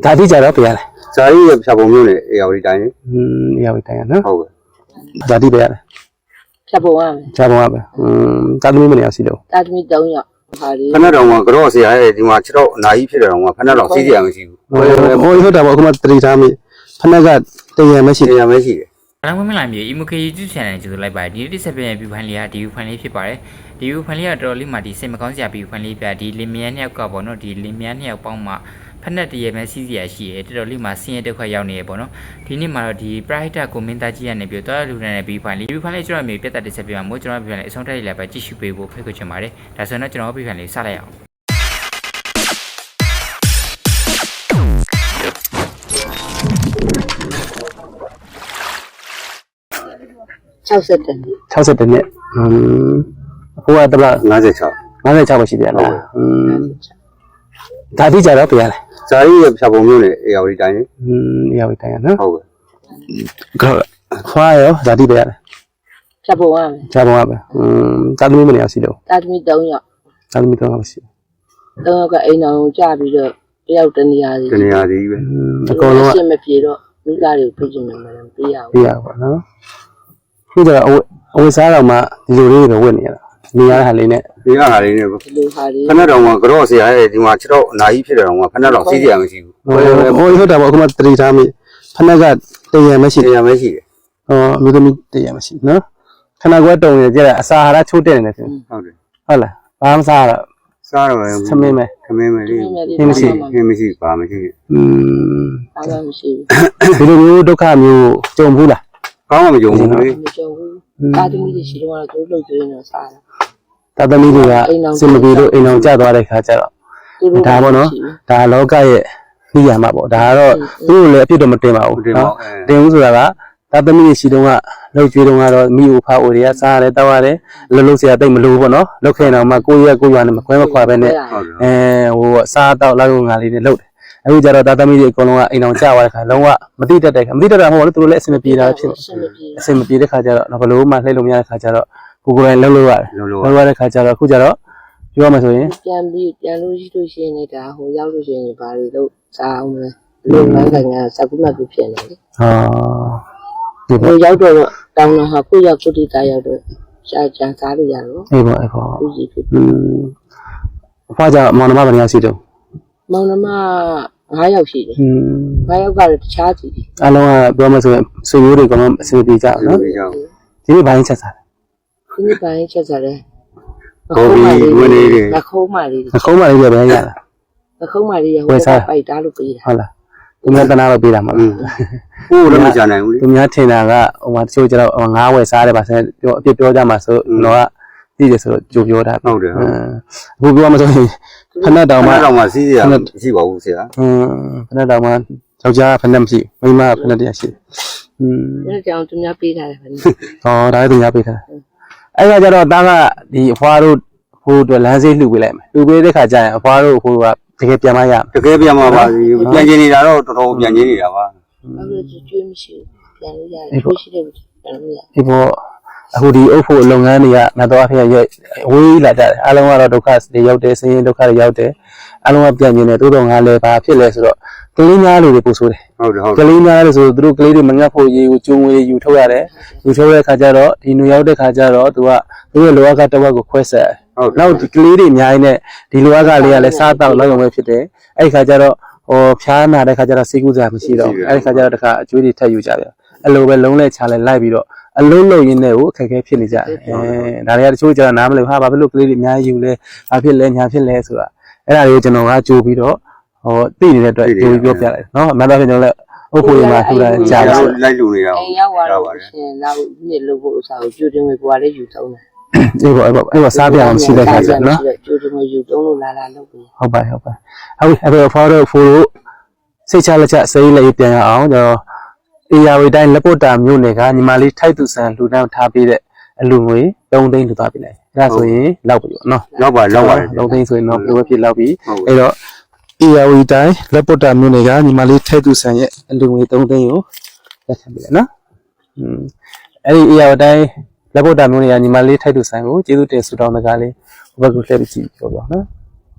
ဒါတိကြတော့ပြရတယ်ဇာတိရဲ့ဖြာပုံမျိုးနဲ့အေယာဝတီတိုင်းလေအေယာဝတီတိုင်းနော်ဟုတ်ကဲ့ဒါတိပြရတယ်ဖြတ်ပုံရမယ်ဖြတ်ပုံရပဲတာသမီမနေအောင်စီတော့တာသမီ3ယောက်ဟာလေဖက်တော်ကကြော့ဆရာရဲ့ဒီမှာ6တော့အနာကြီးဖြစ်တယ်တော့ဖက်တော်စီးစရာမရှိဘူးဟိုဟုတ်တာပေါ့အခုမှတတိထားမိဖက်ကတရံမရှိတယ်မရှိတယ်အလောင်းမင်းလာမြေ EMK YouTube channel ကျေးဇူးလိုက်ပါတယ်ဒီနေ့ဆက်ပြန်ပြဖိုင်လေးကဒီဖိုင်လေးဖြစ်ပါတယ်ဒီဖိုင်လေးကတော်တော်လေးမှဒီစိတ်မကောင်းစရာပြီးဖိုင်လေးပြဒီလင်မယားနှစ်ယောက်ကပေါ့နော်ဒီလင်မယားနှစ်ယောက်ပေါင်းမှဖက်နဲ့တရမဲစီးစရာရှိတယ်တော်တော်လေးမှဆင်းရဲဒုက္ခရောက်နေရပေါ့နော်ဒီနေ့မှာတော့ဒီ private ကိုမင်းသားကြီးကနေပြီးတော့လူနဲ့ပြီးဖိုင်လေးကျွန်တော်မြေပြတ်တက်တစ်ဆက်ပြမှာမို့ကျွန်တော်ပြဖိုင်လေးအဆုံးထက်လေးလည်းပဲကြည့်ရှုပေးဖို့ဖိတ်ခေါ်ချင်ပါတယ်ဒါဆိုတော့ကျွန်တော်ပြဖိုင်လေးစလိုက်အောင် 60နှစ်ဟိုကတလား 56 ပဲရှိတယ်လားဒါတိကြတော့ပြရတယ်ဇာတိရဲ့ဖြာပုံမျိုးနဲ့အေယာဝတီတိုင်းလေအေယာဝတီတိုင်းနော်ဟုတ်ကဲ့ခွာရောဒါတိပြရတယ်ဖြတ်ပုံရမယ်ဖြတ်ပုံရပဲတာသမီမနေအောင်စီတော့တာသမီ3ယောက်တာသမီ3ယောက်ရှိ 3ယောက်ကအိမ်အောင်ကြပြီးတော့တယောက်တနေရာစီပဲအကုန်လုံးအရှင်းမပြေတော့မိသားတွေကိုဖိတ်ချင်တယ်မလားပေးရဘူးပေးရပါနော်ခုကျတော့အဝတ်စားတော့မှဒီလိုလေးပဲဝတ်နေရတာနေရတဲ့ဟာလေးနဲ့ဒီဟာလေးနဲ့ဒီလိုဟာလေးဖက်တော်ကကြော့ဆရာရဲ့ဒီမှာ6တော့အနာကြီးဖြစ်တယ်တော့ဖက်တော်စီးစရာမရှိဘူးဟုတ်တာပေါ့အခုမှတတိထားမိဖက်ကတရံမရှိတယ်အမျိုးသမီးတရံမရှိနော်ခဏကွက်တုံနေကြအစာဟာရချိုးတက်နေတယ်ဟုတ်တယ်ဟုတ်လားဘာမှစားတော့စားတော့သမင်းမယ်လေးမရှိပါမရှိအားလည်းမရှိဘူးဒီလိုမျိုးဒုက္ခမျိုးကြုံဘူးလားကောင်းမှမကြုံဘူးလေမကြုံဘူးတာသမီတွေရှိတော့သူတို့လုပ်ကြနေတော့စားတာတာသမီတွေကစင်မပြေလို့အိမ်အောင်ကျသွားတဲ့ခါကျတော့ဒါပေါ့နော်ဒါလောကရဲ့သိရမှာပေါ့ဒါကတော့သူတို့လည်းအပြစ်တော့မတင်ပါဘူးနော်တင်ဘူးဆိုတာကတာသမီတွေရှိတော့ကလှုပ်ကြွေးတော့ကတော့မိဦးဖားဦးတွေကစားရတယ်တောက်ရတယ်လှုပ်စရာတိတ်မလိုဘူးပေါ့နော်လှုပ်ခဲ့တော့မှကိုရွာနဲ့မခွဲမခွာပဲနဲ့ဟိုစားတောက်လောက်ငါလေးတွေလှုပ်တယ်အခုကျတော့တာသမီတွေအကုန်လုံးကအိမ်အောင်ကျသွားတဲ့ခါလုံးဝမတိတတ်တဲ့ခါမတိတတ်တာမဟုတ်ဘူးသူတို့လည်းအဆင်မပြေတာဖြစ်အဆင်မပြေတဲ့ခါကျတော့ဘလို့မှလှည့်လို့မရတဲ့ခါကျတော့ကိုယ်တိုင်လှုပ်လို့ရတယ်လှုပ်ရတဲ့ခါကျတော့အခုကျတော့ပြောမှဆိုရင်ပြန်လို့ရှိလို့ရှိရင်ဒါဟိုရောက်လို့ရှိရင်ဘာတွေလို့စားအောင်လဲလုံလန်းကစကူမကူဖြစ်နေတယ်ဟိုရောက်တော့တောင်းတော့ဟာကိုရောက်ကိုတိတာရောက်တော့ရှားချမ်းစားလို့ရတော့အေးပေါ့ဦးစီဖြစ်အဖွားကြမောင်နှမဘယ်နှယောက်ရှိတော့မောင်နှမ9ယောက်ရှိတယ်9ယောက်ကတော့တခြားစီအလုံးကပြောမှဆိုရင်ဆွေမျိုးတွေကမှအစီအပြေကြနော်ဒီနေ့ဘိုင်းချက်စားဒီနေ့ဘိုင်းချက်စားတယ်ဟုတ်ပြီဝင်နေတယ်နှခုံးမလေးတွေပဲရတာနှခုံးမလေးရဟိုပိုက်တာလို့ပေးတာဟုတ်လားသူများတနာတော့ပေးတာမှာဟိုလည်းမကြနိုင်ဘူးလေသူများထင်တာကဟိုမှာတချို့ကျတော့ငါးဝယ်စားတယ်ပါဆိုပြောအပြစ်ပြောကြမှာဆိုတော့သိတယ်ဆိုတော့ကြိုပြောတာဟုတ်တယ်အခုပြောမှဆိုရင်ဖက်တောင်မှစီးစရာမရှိပါဘူးဆရာဖက်တောင်မှယောက်ျားဖက်မရှိမိန်းမဖက်တရားရှိအဲ့ကြောင့်သူများပေးထားတယ်ဖက်ဟောဒါလည်းသူများပေးထားအဲ့ကကျတော့တားကဒီအဖွားတို့ဟိုအတွက်လမ်းစေးလှူပေးလိုက်မယ်လှူပေးတဲ့ခါကျရင်အဖွားတို့ဟိုကတကယ်ပြန်မရတကယ်ပြန်မှာပါပြန်ကျင်နေတာတော့တော်တော်ပြန်ကျင်နေတာပါအဲ့လိုကျွေးမရှိဘူးပြန်လို့ရတယ်ကိုရှိတယ်ပြန်လို့ရဒီပေါ်အခုဒီအုပ်ဖို့လုပ်ငန်းတွေကငါတော့အဖေရဲ့ဝေးလာကြတယ်အလုံးကတော့ဒုက္ခတွေရောက်တယ်ဆင်းရဲဒုက္ခတွေရောက်တယ်အလုံးကပြန်ကျင်တယ်တိုးတော့ငါလည်းဘာဖြစ်လဲဆိုတော့ကလေးများလေးတွေပို့ဆိုးတယ်ကလေးများလေးဆိုသူတို့ကလေးတွေမငတ်ဖို့ရေကိုကျုံဝေးယူထုတ်ရတယ်ယူထုတ်တဲ့ခါကျတော့ဒီနူရောက်တဲ့ခါကျတော့သူကသူ့ရဲ့လောကတစ်ဝက်ကိုခွဲဆက်နောက်ဒီကလေးတွေအများကြီးနဲ့ဒီလောကလေးကလည်းစားတော့လောက်ရုံပဲဖြစ်တယ်အဲ့ဒီခါကျတော့ဟိုဖျားနာတဲ့ခါကျတော့စေကူးစားမရှိတော့အဲ့ဒီခါကျတော့တခါအကျွေးတွေထပ်ယူကြပြန်အဲ့လိုပဲလုံးလဲချလဲလိုက်ပြီးတော့အလုံးလုံးရင်းနဲ့ကိုအခက်အခဲဖြစ်နေကြတယ်ဒါတွေကတချို့ကျတော့နားမလည်ဟာဘာဖြစ်လို့ကလေးတွေအများကြီးယူလဲဘာဖြစ်လဲညာဖြစ်လဲဆိုတာအဲ့ဒါတွေကိုကျွန်တော်ကကြိုးပြီးတော့ဟိုသိနေတဲ့အတွက်ကြိုးပြီးပြောပြလိုက်နော်အမှန်တော့ကျွန်တော်လည်းအုပ်ဖို့ရမှာထူတာကြာတယ်လိုက်လူနေတာအိမ်ရောက်သွားတော့ရှင်လောက်ညစ်လို့ဖို့ဥစားကိုကြိုးတင်ဝေကိုကလည်းယူသုံးတယ်အေးစားပြအောင်ရှိတဲ့ခါကျနော်ကြိုးတင်ဝေယူသုံးလို့လာလုပ်ပြီးဟုတ်ပါဟုတ်အဲ့ဖော်တော့ဖိုးလို့စိတ်ချလက်ချစိတ်လေးပြန်ရအောင်ကျွန်တော်အေယာဝတီတိုင်းလက်ပုတ်တာမြို့နယ်ကညီမလေးထိုက်သူဆန်လူတန်းထားပေးတဲ့အလူငွေ3သိန်းလူသွားပြီလေအဲ့ဒါဆိုရင်လောက်ပြီပေါ့နော်လောက်ပါ 3သိန်းဆိုရင်တော့ဘယ်လိုဖြစ်လောက်ပြီအဲ့တော့အေယာဝတီတိုင်းလက်ပုတ်တာမြို့နယ်ကညီမလေးထိုက်သူဆန်ရဲ့အလူငွေ3သိန်းကိုလက်ခံပြီလေနော်အဲ့ဒီအေယာဝတီတိုင်းလက်ပုတ်တာမြို့နယ်ကညီမလေးထိုက်သူဆန်ကိုကျေးဇူးတင်ဆုတောင်းတကားလေးဘုရားကိုလှည့်ပြီးကြည့်ပြောနော်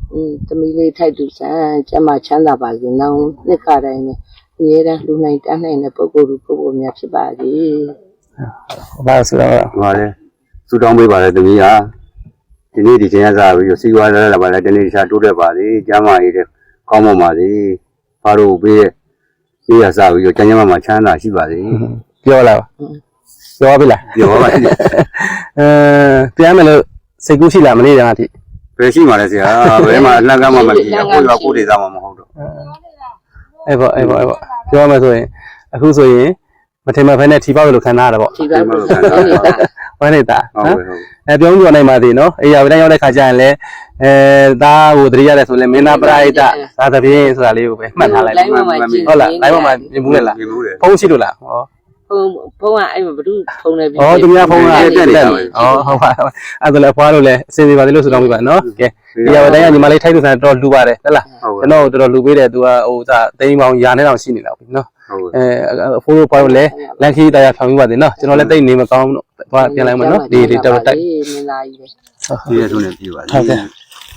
သမီးလေးထိုက်သူစံကျမချမ်းသာပါစေနောင်နှစ်ခါတိုင်းနဲ့အများတန်းလူနိုင်တန်းနိုင်တဲ့ပုဂ္ဂိုလ်ပုဂ္ဂိုလ်များဖြစ်ပါစေဘာဆိုတော့ဟောလေစူတောင်းပေးပါလေသမီးဟာဒီနေ့ဒီချိန်ကစားပြီးစီဝါလာပါလေတနေ့တခြားတိုးတက်ပါစေကျမ်းမာရေးတဲ့ကောင်းပါစေဘာလို့ပေးရဲ့ဒီကစားပြီးကျမ်းမာမှာချမ်းသာရှိပါစေပြောလာပြောပြီလားပြောပါမယ်ပြန်မယ်လို့စိတ်ကူးရှိလားမနေ့ကအထိဘယ်ရှိမှလဲဆရာဘယ်မှာအလန့်ကမှမဖြစ်ဘူးကိုယ်ကကိုယ်ဒေသမမဟုတ်တော့အဲ့ပေါ့ပြောရမယ်ဆိုရင်အခုဆိုရင်မထင်မှဖဲနဲ့ထီပေါက်လို့ခံစားရတာပေါ့ဒီပါလို့ခံနေတာဝမ်းနေတာဟုတ်နော်ကဲ့ဟုတ်ပြောင်းပြောနိုင်ပါသေးနော်အေးရဝတိုင်းရောက်တဲ့ခါကျရင်လည်းသားကိုတတိရတယ်ဆိုရင်မင်းသားပရိဒသာသဖြင့်ဆိုတာလေးကိုပဲမှတ်ထားလိုက်လိုင်းပေါ်မှာကြည့်ဟုတ်လားလိုင်းပေါ်မှာမြင်ဘူးလေလားမြင်ဘူးလေဖုန်းရှိလို့လားဟောဖုန်းကအဲ့မှာဘ누구ဖုန်းလဲပြီးဩသူများဖုန်းကတက်တယ်ဩဟုတ်ပါအဲ့ဒါလည်းဖွားလို့လည်းအစင်စီပါသေးလို့ဆိုတော့ပြပါနော်ကဲအေးရဝတိုင်းကညီမလေးထိုက်သူဆန်တော်လှူပါတယ်ဟုတ်လားကျွန်တော်တော်တော်လှူပေးတယ်သူကဟိုသာတိန်းပေါင်းရာနဲ့တောင်ရှိနေလောက်ပြီနော်ဟုတ်အဖိုးတို့ဖွားလို့လည်းလန်ခီတရားဆောင်ပြီးပါသေးနော်ကျွန်တော်လည်းတိတ်နေမကောင်းတော့သွားပြန်လိုက်မယ်နော်ဒီတော်တော်တိုက်မင်းသားကြီးပဲဒီရထုံးနဲ့ပြပါဟုတ်ကဲ့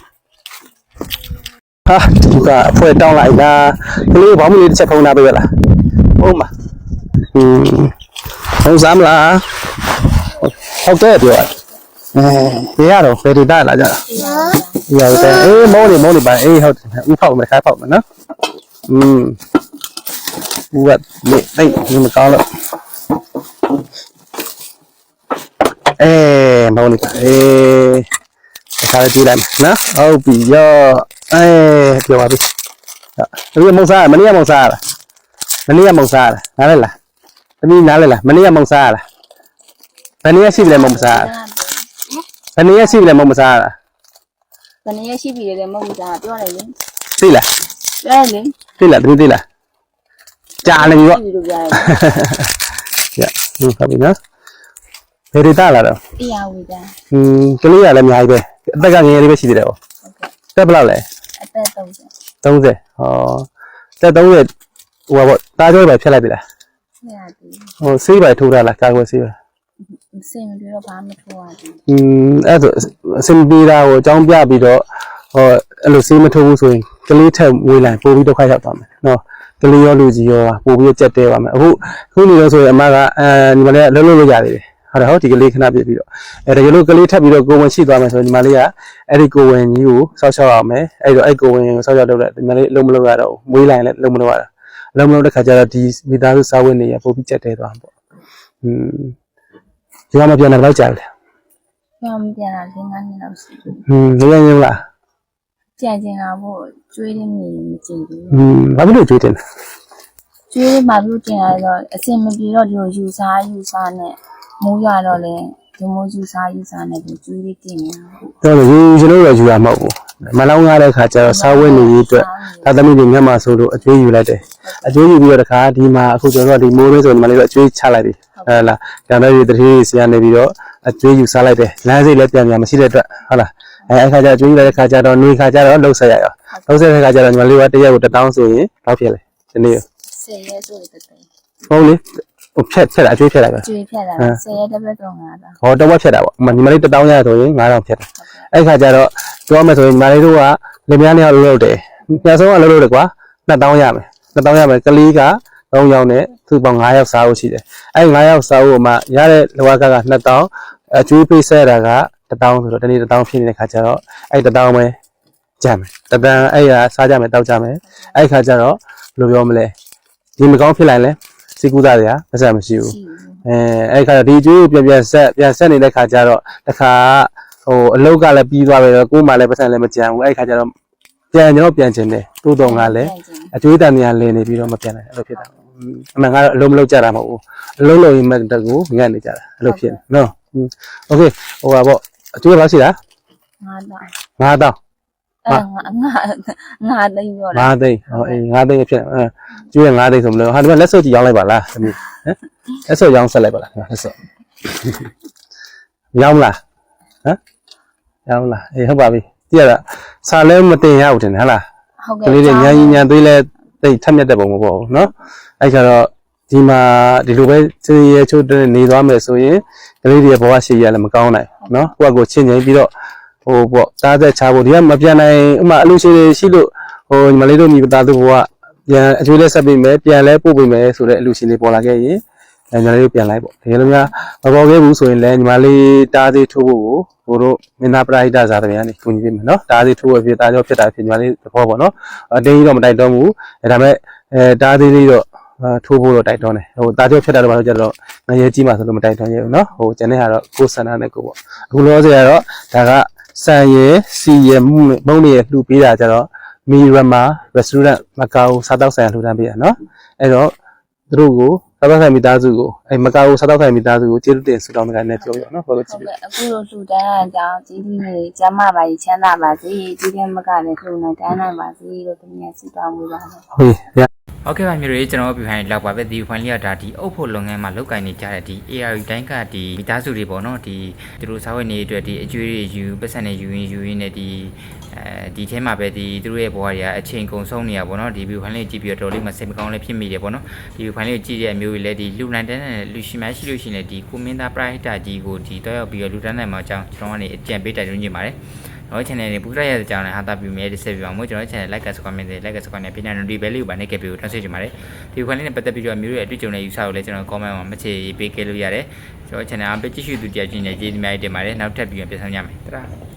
ဟာဒီကအဖွဲတောင်းလိုက်တာကလေးဘောင်းမလေးတစ်ချက်ဖုံးထားပေးရလားဟုတ်မှာဟုတ်စမ်းလားဟုတ်ကဲ့ပြောရရတော့ဘယ်ဒေတာလာကြတာရရတယ်အေးမောနေပါအေးဟုတ်ဥဖောက်မယ်ခိုင်းဖောက်မယ်နော်ဥကလေတိတ်ဒီမကောင်းလို့မောနေပါခါလေးကြည့်လိုက်နော်ဟုတ်ပြီရောပြောပါပြီဒီမုံစားမနေ့ကမုံစားလားမနေ့ကမုံစားလားနားလဲလားသမီးနားလဲလားမနေ့ကမုံစားလားဘယ်နေ့ရှိပြီလဲမုံစားဘယ်နေ့ရှိပြီလဲမုံစားလားဘယ်နည်းရှိပြီလဲမဟုတ်ဘူးကြာပြောလိုက်လေသိလားပြောလေသိလားသမီးသိလားကြာနေပြီပေါ့ပြီလို့ပြောရတယ်ရဟုတ်ပြီနော်ဘယ်ဒေတာလာတော့အေးရဝေးကြာကလေးရလည်းအများကြီးပဲအသက်ကငယ်ငယ်လေးပဲရှိသေးတယ်ပေါ့တက်ဘယ်လောက်လဲအသက်30 30တက်30ဟိုပါပေါ့တားကြောပဲဖြတ်လိုက်ပြီလားမရဘူးဟိုဆေးပါထိုးတာလားကာကွယ်ဆေးပါစင်မပြေတော့ဘာမှမထိုးရဘူးအဲ့ဒါအစင်ပြေတာကိုအကြောင်းပြပြီးတော့အဲ့လိုဆေးမထိုးဘူးဆိုရင်ကလေးထက်ဝေးလိုက်ပို့ပြီးဒုက္ခရောက်သွားမယ်နော်ကလေးရောလူကြီးရောပို့ပြီးကြက်တဲပါမယ်အခုနေလို့ဆိုရင်အမကညီမလေးကလှုပ်လို့ရသေးတယ်ဟုတ်ဒီကလေးခဏပြပြီးတော့ဒါကြလို့ကလေးထပ်ပြီးတော့ကိုဝင်ရှိသွားမယ်ဆိုရင်ညီမလေးကအဲ့ဒီကိုဝင်ကြီးကိုစောက်ရှောက်အောင်မယ်အဲ့တော့အဲ့ကိုဝင်ကိုစောက်ရှောက်လုပ်လိုက်ညီမလေးလုံးမလုပ်ရတော့မွေးလိုက်လည်းလုံးမလုပ်ရတာလုံးမလုပ်တဲ့ခါကျတော့ဒီမိသားစုစာဝတ်နေရပို့ပြီးကြက်တဲသွားမှာပေါ့ဒီမှာပြန်လာတော့ကြာတယ်ပြောင်းပြန်လာ5နှစ်လောက်ရှိတယ်ရင်းရင်းလားကြံကျင်လာဖို့ကျွေးတဲ့မြေမကျင်ဘူးဘာဖြစ်လို့ကြွေးတင်လဲကျွေးမှပြုကျင်လာတော့အစင်မပြေတော့ဒီလိုယူစားနဲ့မိုးရတော့လေဒီမိုးယူစားနဲ့ဒီကျွေးလေးတင်နေတာတော်တော်ယူကျွန်တော်ယူရမှာပေါ့မလောင်းရတဲ့ခါကျတော့စာဝတ်နေရေးအတွက်သာသမီတွေမျက်မှောက်ဆိုလို့အကျွေးယူလိုက်တယ်အကျွေးယူပြီးတော့တခါဒီမှာအခုကျွန်တော်တို့ဒီမိုးလေးဆိုညီမလေးတို့အကျွေးချလိုက်ပြီဟုတ်လားကျန်တဲ့ဒီတတိဆရာနေပြီးတော့အကျွေးယူစားလိုက်တယ်လမ်းစိတ်လည်းပြန်မရှိတဲ့အတွက်ဟုတ်လားအဲ့ခါကျအကျွေးယူလိုက်တဲ့ခါကျတော့နေခါကျတော့လှုပ်ဆက်ရရောလှုပ်ဆက်တဲ့ခါကျတော့ညီမလေးကတရက်ကို1000ဆိုရင်ဘာဖြစ်လဲဒီနေ့ 10ရက်ဆိုတဲ့တဲ့ဟုတ်လေဟိုဖြတ်တာအကျွေးဖြတ်လိုက်ပဲကျွေးဖြတ်လာ10ရက်တစ်ပတ်တော့9တာဟောတော့ဖြတ်တာပေါ့ညီမလေး1000ရဆိုရင်9000ဖြတ်တယ်အဲ့ခါကျတော့ပြောမယ်ဆိုရင်ညီမလေးတို့ကလင်မယားနှစ်ယောက်လုပ်တယ်ပြန်ဆုံးကလုပ်တယ်ကွာ2000ရမယ်2000ရမယ်ကလေးက3ယောက်နဲ့သူ့ပေါင်း9ယောက်စားဖို့ရှိတယ်အဲ့9ယောက်စားဖို့မှရတဲ့လောကက2000အကျွေးပေးဆက်တာက1000ဆိုတော့ဒီနေ့1000ဖြစ်နေတဲ့ခါကျတော့အဲ့1000ပဲကြမ်းမယ်1000အဲ့ရစားကြမယ်တောက်ကြမယ်အဲ့ခါကျတော့ဘယ်လိုပြောမလဲဒီမကောင်းဖြစ်လိုက်လဲစိတ်ကူးသားတွေကမဆက်မရှိဘူးအဲ့ခါတော့ဒီကျွေးကိုပြန်ဆက်နေတဲ့ခါကျတော့တခါဟိုအလုတ်ကလည်းပြီးသွားပြီတော့ကိုယ်မှလည်းပတ်စံလည်းမကြမ်းဘူးအဲ့ခါကျတော့ပြန်ကျွန်တော်ပြန်ချင်တယ်တိုးတော်ကလည်းအကျွေးတန်နေရလင်းနေပြီးတော့မပြန်နိုင်အဲ့လိုဖြစ်တာအမှန်ကတော့အလုံးမလုံးကြတာမဟုတ်ဘူးအလုံးလုံးရင်မတကူငတ်နေကြတာအဲ့လိုဖြစ်နေနော်โอเคဟိုပါပေါ့အကျွေးဘာရှိတာ 9တာ 9000 ငါသိပြောတာ 9သိန်းဟောအေး9သိန်းဖြစ်တယ်ကျွေးရ9သိန်းဆိုမလို့ဟာဒီမှာလက်စော့ကြည့်ရောင်းလိုက်ပါလားသမီးဟမ်လက်စော့ရောင်းဆက်လိုက်ပါလားလက်စော့ရောင်းလားဟမ်ရောင်းလားအေးဟုတ်ပါပြီကြည့်ရတာစာလဲမတင်ရဘူးတင်ဟုတ်လားဟုတ်ကကဲ့လေးတွေညာကြီးညာသွေးလဲတိတ်ထက်မြက်တဲ့ပုံမပေါ့ဘူးเนาะအဲ့ကျတော့ဒီမှာဒီလိုပဲစေးရဲချိုးတဲ့နေသွားမယ်ဆိုရင်ကလေးတွေဘဝရှိရလည်းမကောင်းနိုင်เนาะကိုယ့်အကိုချင်းချင်းပြီးတော့ဟဟိုပေါ့တားသက်ချဖို့ဒီကမပြန်နိုင်ဥမာအလူရှိတွေရှိလို့ဟိုညီမလေးတို့မိသားစုဘဝပြန်အကျွေးလဲဆက်ပေးမယ်ပြန်လဲပို့ပေးမယ်ဆိုတဲ့အလူရှင်တွေပေါ်လာခဲ့ရင်ညီမလေးတို့ပြန်လိုက်ပေါ့တကယ်လို့များမပေါ်ခဲ့ဘူးဆိုရင်လည်းညီမလေးတားသေးထိုးဖို့ကိုဟိုတို့မင်းသားပရိဒဇာတမန်ကနေကူညီပေးမယ်နော်တားသေးထိုးရဖြစ်တာကြောင့်ဖြစ်တာဖြစ်ညီမလေးသဘောပေါ့နော်အတင်းကြီးတော့မတိုက်တော့ဘူးဒါပေမဲ့တားသေးလေးတော့ထိုးဖို့တော့တိုက်တွန်းတယ်ဟိုတားကြောဖြစ်တာတော့ဘာလို့ကြတော့ငရဲကြီးမှဆိုလို့မတိုက်တွန်းရဘူးနော်ဟိုကျန်တဲ့ဟာတော့ကိုယ်ဆန္ဒနဲ့ကိုပေါ့အခုလောဆယ်ကတော့ဒါကစံရယ်စီရယ်မုံနေရလှူပေးတာကြတော့မီရမာ restaurant မကာအိုစားတောက်ဆိုင်လှူဒန်းပေးတာနော်အဲ့တော့သူတို့ကိုစားတောက်ဆိုင်မိသားစုကိုအဲ့မကာအိုစားတောက်ဆိုင်မိသားစုကိုကျေးဇူးတင်ဆုတောင်းတဲ့ကနေပြောရနော်ဘာလို့ကြည့်ပြအခုလိုလှူဒန်းတဲ့အကြောင်းကြီးကြီးလေးကျမပါကြီးချမ်းသာပါစေကြီးတဲ့မကလည်းလှူနေတန်းနိုင်ပါစေလို့တမန်ဆုတောင်းပေးပါမယ်ဟုတ်ပြီဟုတ်ကဲ့ပါမျိုးတွေကျွန်တော်ပြဖိုင်လောက်ပါပဲဒီဖိုင်လေးကဒါဒီအုပ်ဖို့လုပ်ငန်းမှာလောက်ကိုင်နေကြတဲ့ဒီ AR တိုင်းကဒီမိသားစုတွေပေါ့နော်ဒီသူတို့စားဝတ်နေအတွက်ဒီအကျွေးတွေယူပတ်စံတွေယူရင်းနဲ့ဒီထဲမှာပဲဒီသူတို့ရဲ့ဘဝတွေကအချိန်ကုန်ဆုံးနေရပေါ့နော်ဒီဗီဒီယိုဖိုင်လေးကြည့်ပြီးတော့တော်လေးမှစိတ်မကောင်းလည်းဖြစ်မိတယ်ပေါ့နော်ဒီဗီဒီယိုဖိုင်လေးကိုကြည့်တဲ့အမျိုးကြီးလည်းဒီလူလန်တန်းနဲ့လူရှိမရှိလို့ရှိရင်လည်းဒီကိုမင်းသားပရိုက်တာကြီးကိုဒီတော့ရောက်ပြီးတော့လူတန်းနိုင်မှာအကြောင်းကျွန်တော်ကနေအကြံပေးတိုက်တွန်းနေပါတယ်တော့ channel လေးပူရရတဲ့အကြောင်းနဲ့ဟာတာပြမယ်ဒီဆက်ပြပါမို့ကျွန်တော် channel like comment နဲ့ပြနေတယ်ဒီဘဲလေးကိုပါနေခဲ့ပြီးတော့ translate ချင်ပါတယ်ဒီခွန်းလေးနဲ့ပတ်သက်ပြီးတော့မျိုးရဲ့အတွေ့အကြုံနဲ့ယူဆကိုလည်းကျွန်တော် comment မှာမချေပေးခဲ့လို့ရတယ်ကျွန်တော် channel အပကြည့်ရှုသူတရားချင်းနဲ့ကျေးဇူးများတင်ပါတယ်နောက်ထပ်ပြီးပြန်ဆောင်ကြမယ်တရာ